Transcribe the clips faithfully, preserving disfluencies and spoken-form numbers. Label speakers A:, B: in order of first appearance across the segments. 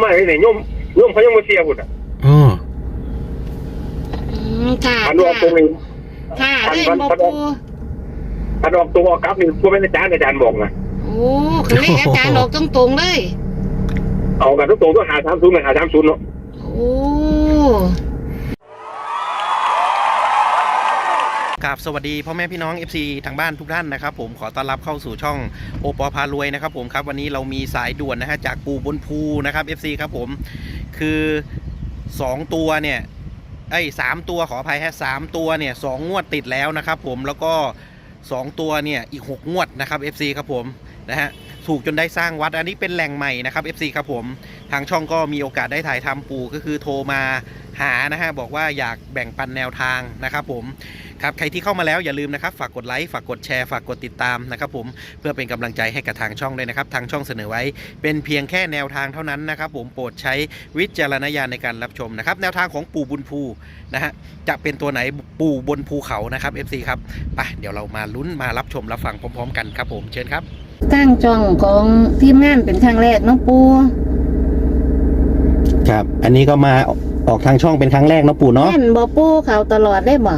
A: มาให้เนี่ยโยมโยมเขายังมาเสียบุตรอ่ะ
B: อ๋อ
C: ค่ะ
A: อันออกตรงนี้
C: ค่ะเล่นบ่ปู
A: อันออกตัวออกกลับนี่พวกเป็นอาจารย์อาจารย์บอกนะ
C: โอ้คือเลขอาจารย์ออกตรงๆเลย
A: เอากันทุกตรงต้องหาสามศูนย์กับหาสามศูนย์เนาะ
C: โอ้
B: ครับสวัสดีพ่อแม่พี่น้อง เอฟ ซี ทางบ้านทุกท่านนะครับผมขอต้อนรับเข้าสู่ช่องโอปอพารวยนะครับผมครับวันนี้เรามีสายด่วนนะฮะจากปู่บนภูนะครับ เอฟ ซี ครับผมคือสองตัวเนี่ยไอ้สามตัวขออภัยฮะสามตัวเนี่ยสองงวดติดแล้วนะครับผมแล้วก็สองตัวเนี่ยอีกหกงวดนะครับ เอฟ ซี ครับผมนะฮะถูกจนได้สร้างวัดอันนี้เป็นแหล่งใหม่นะครับ เอฟ ซี ครับผมทางช่องก็มีโอกาสได้ถ่ายทำปู่ก็คือโทรมาหานะฮะบอกว่าอยากแบ่งปันแนวทางนะครับผมครับใครที่เข้ามาแล้วอย่าลืมนะครับฝากกดไลค์ฝากกดแชร์ฝากกดติดตามนะครับผมเพื่อเป็นกำลังใจให้กับทางช่องด้วยนะครับทางช่องเสนอไว้เป็นเพียงแค่แนวทางเท่านั้นนะครับผมโปรดใช้วิจารณญาณในการรับชมนะครับแนวทางของปู่บุญภูนะฮะจะเป็นตัวไหนปู่บนภูเขานะครับ เอฟ ซี ครับไปเดี๋ยวเรามาลุ้นมารับชมรับฟังพร้อมๆกันครับผมเชิญครับ
C: ตั้งช่องของทีมงานเป็นครั้งแรกน้องปู
B: ครับอันนี้ก็มาออกทางช่องเป็นครั้งแรกนะปู่เนาะ
C: แม่นบ่ปูเขาตลอดได้บ่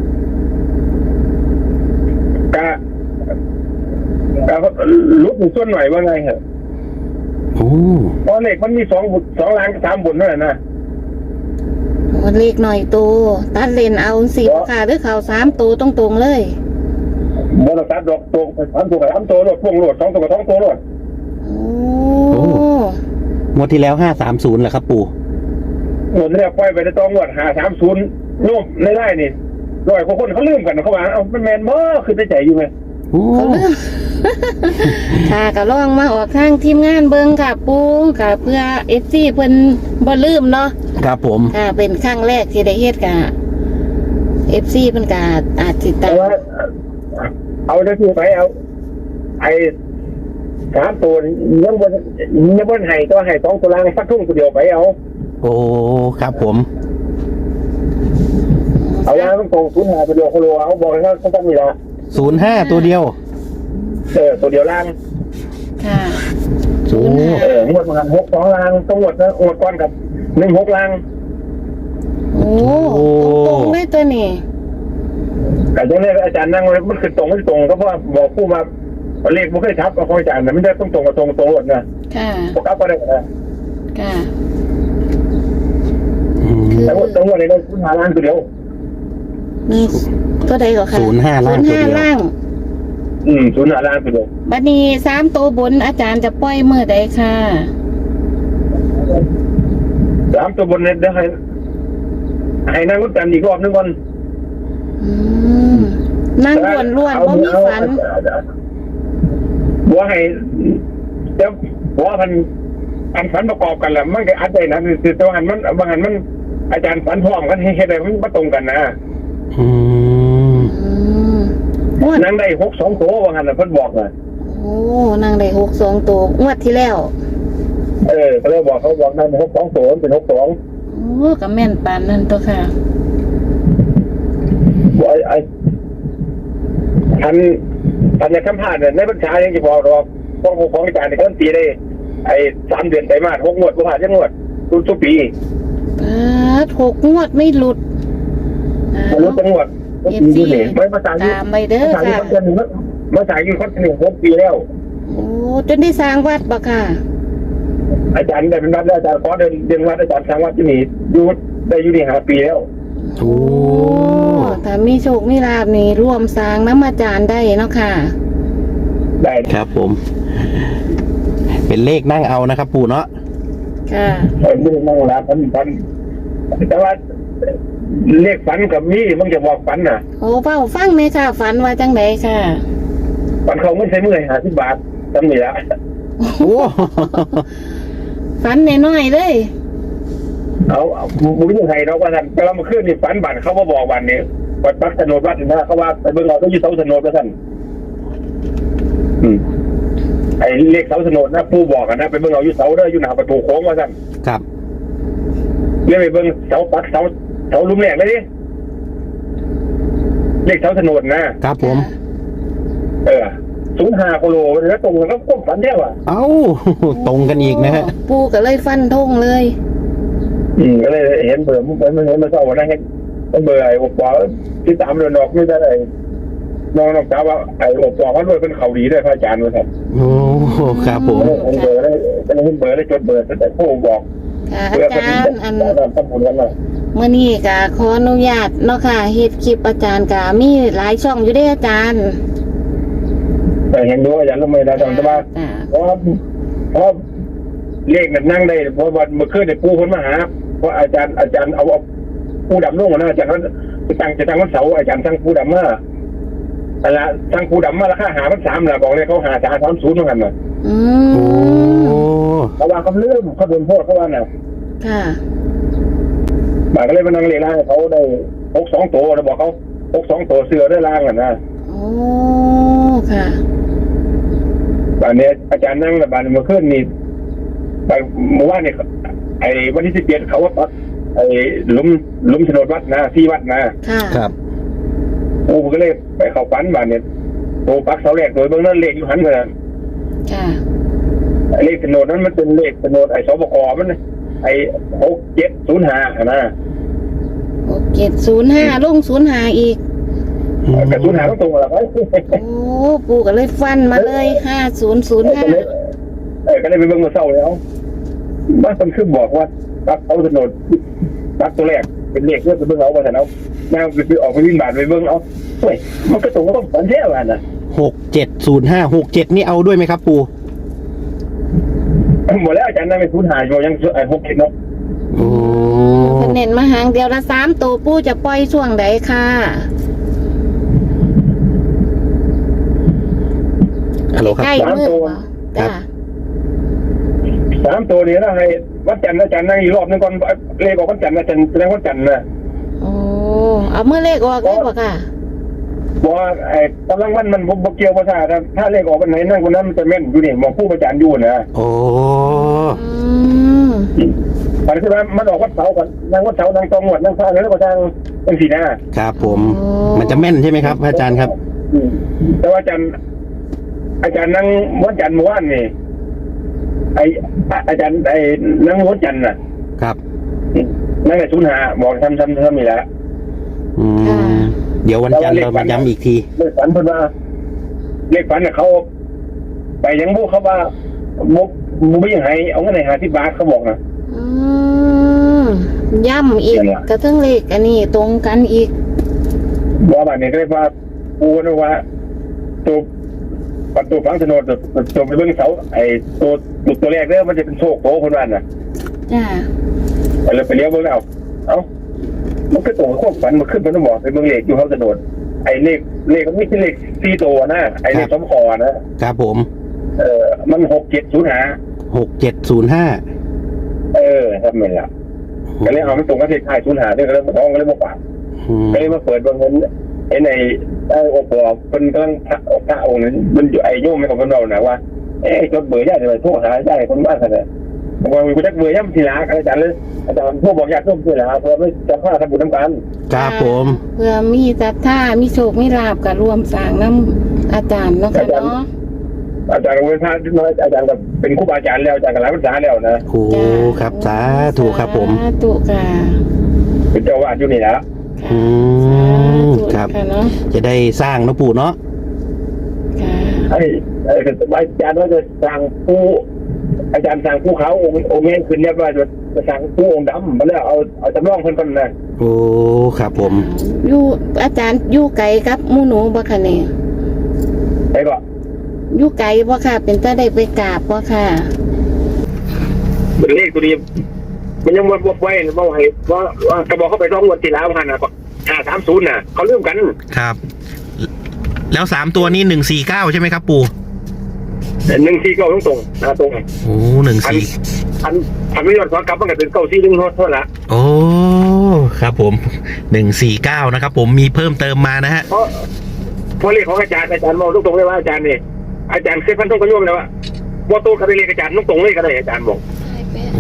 A: กะกะลุกหนึ่งส่วนหน่อยว่าไงเหรอ
B: โอ้
A: เพราะเลขมันมีสองบุสองล้านกับสามบุญนั่นแหละนะ
C: เลขหน่อยโตตัดเลนเอาสี่ค่ะหรือเขาสามตัวตรงๆเลย
A: บนตัดดอกตัวสามตัวกับสามตัวโหลดพวงโหลดสองตัวกับสองตัวโหลด
C: โอ้
B: งวดที่แล้วห้าสามศูนย์เหรอครับปู่
A: หมดเนี่ยปล่อยไปในตองวดหาสามศูนย์โยมในไร่นี่ร้อยกว่าคนเขาลืมกันเขาว่าเอาเป็นแมนบ่คือได้ใจอยู่ไหม
C: เขาลืมค่ะก็ลองมาออกทางทีมงานเบิ้งค่ะปูค่ะเพื่อเอฟซีเพิ่นบ่ลืมเนาะ
B: ครับผม
C: ค่ะเป็นครั้งแรกที่ได้เฮ็ดกับเอฟซีเพิ่นก็อาจสิตาม
A: เอาได้ที่ไปเอาไอ้สามตัวยังบนยังบนไห้ตัวไห้สองตัวล่างฟัดทุ่งตัวเดียวไปเอา
B: โอ้ครับผม
A: เอาล่างต้องตรงศูนย์ห้าตัวเดียวโคโลเอาบอกเลยว่าเขาต้องมีละ
B: ศูนย์ห้าตัวเดียว
A: เออตัวเดียวล่าง
C: ค่ะ
B: ศูนย์
A: เอองวดประมาณหกสองล่างต้องงวดนะงวดก้อนกับหนึ่งหกล่าง
C: โอ้ตรงเลยตัวนี้
A: แต่ตรงนี้อาจารย์นั่งมันคือตรงไม่ตรงก็เพราะบอกผู้มาเลขมันเคยทับกับอาจารย์นะไม่ได้ต้องตรงกับตรงตรงหมดนะ
C: ค่ะ
A: พวกเขาก็ได้นะ
C: ค่ะ
A: แต่ว่าตรงวันนี้เราศูนย์ห้าล่างตัวเดียว
C: มีก็ได้ก็ค่ะ
B: ศูนย์ห้าล่างตัวเดียว
A: อืมศูนย์ห้าล่างตัวเดียว
C: บัดนี้สามตัวบนอาจารย์จะปล่อยเมื่อใดค่ะ
A: สามตัวบนเนี่ยได้ให้ให้นั่งรถกันอีกรอบนึงก่อน
C: นั่งล้วนล้วนเพราะมีฝัน
A: บัวให้เดี๋ยวบัวพันอันฝันประกอบกันแหละมันก็อาจจะนะคือตัวหันมันบางหันมันอาจารย์ฝันพร้อมกันให้ได้มันไม่ตรงกันนะ
B: อืม
A: นั่งได้หกสองตัวบางหันเพิ่นบอกเลย
C: โอ้นั่งได้หกสองตัวงวดที่แล้ว
A: เออเขาเลยบอกเขาบอกนั่งหกสองตัวเป็นหกสอง
C: โอ้กับแม่นปานนั่นตัวค่ะ
A: ไอ้ไอ้ทันทันในคำพาดเนี่ยในบรรชายังจะบอกหรอกต้องของอาจารย์ในต้นปีได้ไอ้สามเดือนไตรมาสหกงวดผ่านยังงวดรุ่นทุกปี
C: หกงวดไม่หลุด
A: หลุดจังหวัด
C: เอฟซี
A: ไม่มาสายอยู่
C: ตามไปเด้อค่ะ
A: มาสายอยู่เขาหนึ่งหกปีแล้ว
C: โอ้จนได้สร้างวัดปะค่ะ
A: อาจารย์ได้เป็นวัดแล้วอาจารย์ขอเดินเดินวัดอาจารย์สร้างวัดที่นี่อยู่ได้อยู่นี่ห้าปีแล้ว
C: โอ้ถ้ามีโชคมีลาภนี่ร่วมสร้างน้ำอาจารย์ได้เนาะค่ะ
A: ได้
B: ครับผมเป็นเลขนั่งเอานะครับปู่เนาะ
C: ค่ะ
A: เป็นเลขนั่งแล้วพันพันแต่ว่าเลขฝันกับมีมันจะบอกฝันน่ะ
C: โอ้เป้าฟังไหมค่ะฝันว่าจังไดค่ะ
A: ฝันเขาไม่ใช่เมื่อยหาสิบบาทจำนี่ละ
B: โอ้
C: ฝันน้อยๆเลย
A: เอาบุญยังไงเราว่าท่านแต่เรามาขึ้นนี่ฝันบัตรเขามาบอกวันนี้วัดปักถนนวัดนะเขาว่าไปเบิ่งเราต้องยืดเสาถนนกับท่านอืมไอ้เลขเสาถนนนะผู้บอกกันนะไปเบิ่งเรายืดเสาเด้ออยู่หน้าประตูโค้งว่าท่าน
B: ครับ
A: เรียกไปเบิ่งเสาปักเสาเสาลุ่มแรกเลยดิเลขเสาถนนนะครับ
B: ผม
A: เออศูนย์ห้าโคโลแล้วตรงกันก็ควบฝันแท้ว่ะ
B: เอ้า ตรงกันอีกนะฮะ
C: ปูก็เลยฟันธงเลย
A: อืมก็เลยเห็นเบอร์มันมันเห็นมันเศร้าวันนั้นเห็นมันเบอร์ไอ้อบปอที่ตามเดินออกไม่ได้ไอ้น้องน้องสาวว่าไอ้อบปอเขาด้วยเป็นเขาดีด้วยพระอาจารย์ว่าครับ
B: โอ้ครับผม
A: เห็นเบอร์ได้ก็เลยเห็นเบอร์ได้จดเบอร์แต่ผู้บอก
C: ค่ะ
A: เพื่อ
C: อา
A: เป็น
C: จารย์อัน
A: ทำบุญกันมา
C: เมื่อนี้ก็ขออนุญาตเนาะค่ะเฮ็ดคลิปอาจารย์ก็มีหลายช่องอยู่เด้อาจารย์
A: แต่เห็นด้วยอาจารย์ก็ไม่ได้แต่ว่า
C: จ้ะ
A: เพราะเพราะเลขนั้นนั่งได้เพราะวันเมื่อคืนเนี่ยปูคนมาหาเพราะอาจารย์อาจารย์เอาเอาปูดำลงมานะอาจารย์นั้นจะตั้งจะตั้งวันเสาร์อาจารย์ตั้งปูดำมาอะไรตั้งปูดำมาราคาหาพันสามแหละบอกเลยเขาหาสามสามศูนย์เหมือนกันนะ
C: อื
B: โอ้
C: ม
A: เพราะว่าเขาเลื่อมเขาโดนโทษเพราะว่าน่ะ
C: ค่ะ
A: บาก็เลยมานั่งเรียนร่างเขาได้หกสองตัวแล้วบอกเขาหกสองตัวเสือได้ร่างอ่ะนะ
C: โอ้ค่ะ
A: บานนี้อาจารย์นั่งแล้วบานเมื่อคืนนี่บานเมื่อวานเนี่ยไอ้วันที่สิบเจ็ดเขาว่าปักไอ้หลุมหลุมโฉนดวัดนะที่วัดนะ
C: ค่ะ
B: ครับ
A: ปูก็เลยไปเข้าฝันบานเนี่ยโตปักเสาแรกโดยเบื้องนั้นเลขอยู่หันกันนะ
C: ค่ะ
A: ไอ้เลขโฉนดนั้นมันเป็นเลขโฉนดไอ้สบกมันนะไอ้หกเจ็ดศูนย์ห้านะ
C: หกเจ็ดศูนย์ห้าลงศูนย์ห้าอีก
A: กระสุนหาต้องตรงอะไร
C: โอ้ปูก็เลยฟันมาเลยห้าศูนย์ศูนย์ห้า
A: เออก็เลยไปเบิ่งมาเศร้าแล้วบ้านคนขึ้นบอกว่าปักเอาโฉนดปักตัวแรกเป็นเลขเพื่อไปเบิ่งเอาว่าแต่เอาแม่ไปออกไปวิ่งบาทไปเบิ่งเอาเฮ้ยมันก็ตรงก็ต้องฝันแท้ว่าน่ะ
B: หกเจ็ดศูนย์ห้าหกเจ็ดนี่เอาด้วยไหมครับปู
A: หมดแล้วอาจารย์นั่นเป็นศูนย์หาอยู่ยังไอ้หกเจ็ดเนาะ
B: โอ้
C: เพิ่นเน้นมาหางเดียวละสามตัวปูจะปล่อยช่วงใดค่ะ
B: ฮัลโหลครับ
C: ใกล้มือบ่จ้ะ
A: สามตัวนี้นะให้วันจันทร์อาจารย์นั่งอีกรอบนึงก่อนเลขออกวันจันทร์อาจารย์แสดงวันจันทร์นะ
C: โอ้เอามือเลขออกได้บ่ค่ะ
A: บอกว่าไอ้กำลังวันมันบ่เกี่ยวภาษาถ้าเลขออกวันไหนนั่งคนนั้นมันจะแม่นอยู่นี่มองผู้อาจารย์อยู่นะ
B: โอ้
C: อืม
A: มันคือว่ามันออกวัดเสาร์ก่อนนั่งวัดเสาร์นั่งตองหวดนั่งพระแล้วก็ทางเป็นสีหน้า
B: ครับผม มันจะแม่นใช่ไหมครับอาจารย์ครับ
A: อืมแต่ว่าอาจารย์ อาจารย์นั่งวันจันทร์เมื่อวานนี่ไออาจารย์ไอ้นั่งวันจันทร์น่ะ
B: ครับ
A: นั่งในศูนย์หาบอกทำทำทำนี่แหละ
B: อืมเดี๋ยววันจันทร์เรามาย้ำอีกที
A: เลขฝันเพิ่นว่าเลขฝันน่ะเขาไปยังบุเขาว่าบุบุไม่ยังไงเอาเงินไหนหาที่บาทเขาบอกนะ
C: อืมย่ำอีก
A: นั่นล่ะ
C: กระทั่งเลขอันนี้ตรงกันอีก
A: บอกแบบนี้ก็เลยว่าปูนะว่าตัวประตูฝังโฉนดตัวตัวไปเบื้องเสาไอ้ตัวตัวแรกเนี่ยมันจะเป็นโชคโตคนนั้นน่ะ
C: จ้า
A: ไปเลยไปเลี้ยวเบื้องเอาเอ้ามันก็ตรงกับความฝันมันขึ้นมันต้องบอกไปเบื้องเลขอยู่เขาโฉนดไอ้เลขเลขมันไม่ใช่เลขสี่ตัวนะไอ้เลขสมคอนะครับ
B: ผม
A: เออมันหกเจ็ดศูนย์หา
B: หกเจ็ดศูนย์ห้า
A: เออทำไมล่ะก็เลยเอามันตรงกับเลขท้ายศูนย์หาเนี่ยก็เลยมาท้องก็เลยมาฝากก็เลยมาเปิดเบื้องเงินไอ้ในไอ้โอปอเป็นกำลังพระพระองค์นั้นมันอยู่ไอ้โยมไม่ของเรานะว่าเอ้จดเบอร์ญาติเลยโทรหาญาติคนบ้านกันเลยผมว่ามีกูจักเบอร์ย่ำทีละอาจารย์เลยอาจารย์พวกบอกญาติร่วมทีละเพราะไม่จำข้าทำบุญน้ำกัน
B: ครับผม
C: เพื่อมีศรัทธามีโชคมีลาบกับรวมสร้างน้ำอาจารย์เนาะค่ะเนาะ
A: อาจารย์เวทาน้อยอาจารย์กับเป็นครูบาอาจารย์แล้วอาจารย์กับหลายภาษาแล้วนะ
B: โอ้ครับสาธุครับผม
C: สาธุค่ะ
A: เป็นเจ้าวาดอยู่นี่แล้ว
B: อืมครับ
C: ค่ะเนาะ
B: จะได้สร้างเนอะปู่เนาะ
C: ค่ะ
A: ไอ้ไอ้อาจารย์ว่าจะสั่งผู้อาจารย์สั่งผู้เขาองค์องค์แม่ขึ้นเนี่ยว่าจะจะสั่งผู้องค์ดำมาแล้วเอาเอาจำลองเพิ่นก่อนนะ
B: โอ้ครับผม
C: อยู่อาจารย์อยู่ไกลครับหมู่หนูบ่ค่ะเนี่ย
A: ไอ้ก็
C: อยู่ไกลบ่ค่ะ เป็นตาได้ไปกราบบ่ค่ะ
A: เป็นเลขตัวนี้มันยังวัดวัดไว้ว่าให้ว่ากระบอกเขาไปร้องวันที่แล้วพันนะห้าสามศูนย์น่ะเขาเริ่มกัน
B: ครับ แล้วสามตัวนี้หนึ่งสี่เก้าใช่ไหมครับปู่
A: หนึ่งสี่เก้าตรงตรงนะตรง
B: โอ้หนึ่งสี่
A: พันพันไม่ยอดขอกลับมันก็เป็นเก้าสี่หนึ่งเท่านั้นละ
B: โอ้ครับผมหนึ่งสี่เก้านะครับผมมีเพิ่มเติมมานะฮะ
A: เพราะเพราะเลขของอาจารย์อาจารย์มองตรงตรงเลยว่าอาจารย์นี่อาจารย์เคยพันต้องกระโยมแล้วว่าว่าตัวกับเลขอาจารย์ตรงตรงเลยก็ได้อาจารย์บอก
B: โอ้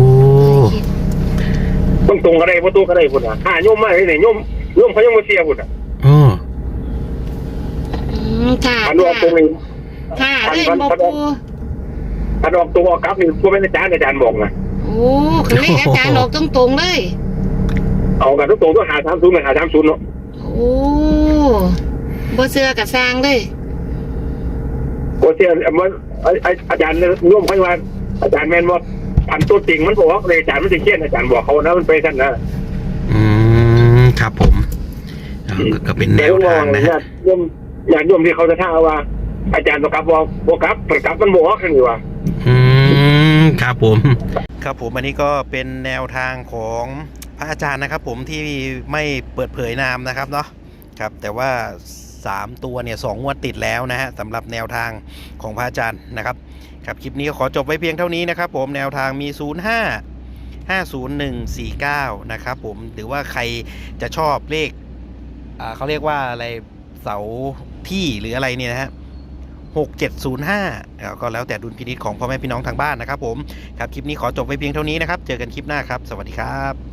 A: ตรงตรงก็ได้ว่าตัวก็ได้พุ่นอ่ะห้าโยมมาเลยเนี่ยโยมโยมเขายังมาเสียพุ่นอ่ะ
B: โอ้
C: อืมค่ะ
A: อันนู้นตรงนี้
C: ค่ะเล่นบ่ปู
A: ถ้าออกตัวออกกลับนี่พวกเป็นอาจารย์อาจารย์บอกนะ
C: โอ้คือเลขอาจารย์ออกตรงๆเลย
A: เอากันทุกตัวต้องหาสามศูนย์หาสามศูนย์เนาะ
C: โอ้บ่เชื่อกับสร้างเลย
A: โคเชียมันอาจารย์ร่วมพันวันอาจารย์แมนว่าพันตัวจริงมันบอกว่าอาจารย์มันจะเขียนอาจารย์บอกเขานะมันไปท่านนะ
B: อืมครับผมอ่าก็ก็เป็นแนวทางนะฮะ
A: ย่อมอย่างย่อมที่เขาจะท่าว่า อาจารย์ประกับบอกประกับประกับมันบอกกันอยู่ว่า
B: อืมครับผม ครับผมอันนี้ก็เป็นแนวทางของพระอาจารย์นะครับ ผมที่ไม่เปิดเผยนามนะครับเนาะครับแต่ว่าสามตัวเนี่ยสองงวดติดแล้วนะฮะสำหรับแนวทางของพระอาจารย์นะครับครับคลิปนี้ขอจบไว้เพียงเท่านี้นะครับ ผมแนวทางมีศูนย์ห้า ห้าศูนย์หนึ่งสี่เก้านะครับผมหรือว่าใครจะชอบเลขอ่าเขาเรียกว่าอะไรเสาที่หรืออะไรเนี่ยนะฮะหกเจ็ดศูนย์ห้าก็แล้วแต่ดุลพินิจของพ่อแม่พี่น้องทางบ้านนะครับผมครับคลิปนี้ขอจบไว้เพียงเท่านี้นะครับเจอกันคลิปหน้าครับสวัสดีครับ